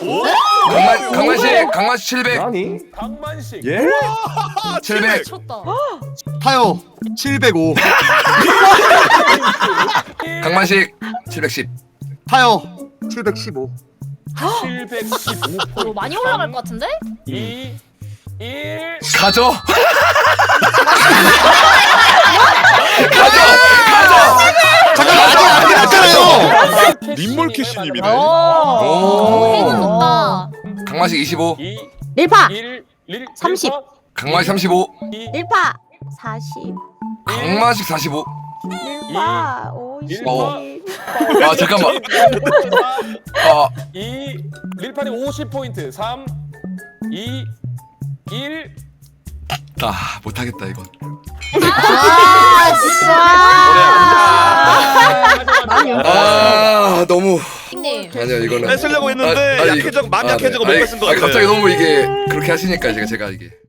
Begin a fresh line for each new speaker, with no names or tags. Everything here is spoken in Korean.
강만식 700.
아니?
강만식.
예?
700.
미쳤다.
타요 705
강만식 710.
타요 715
715.
이거 많이 올라갈 것 같은데?
2 1
가져.
잠깐 아직 안 끝났잖아요.
민몰캐시님이네.
해는 높다.
강만식 25.
2
릴파
1
30.
강만식 35.
릴파 40.
강만식 45.
릴파 50.
아 잠깐만.
2 릴판이 50포인트. 3 2 1
나 못하겠다 이건.
아 진짜.
아 너무.
님.
아니야 이거는.
뺏으려고 했는데
아니,
약해져 많이
아,
약해져가
네.
못 뺏은 것
아니,
같아.
갑자기 너무 이게 그렇게 하시니까 제가 이게.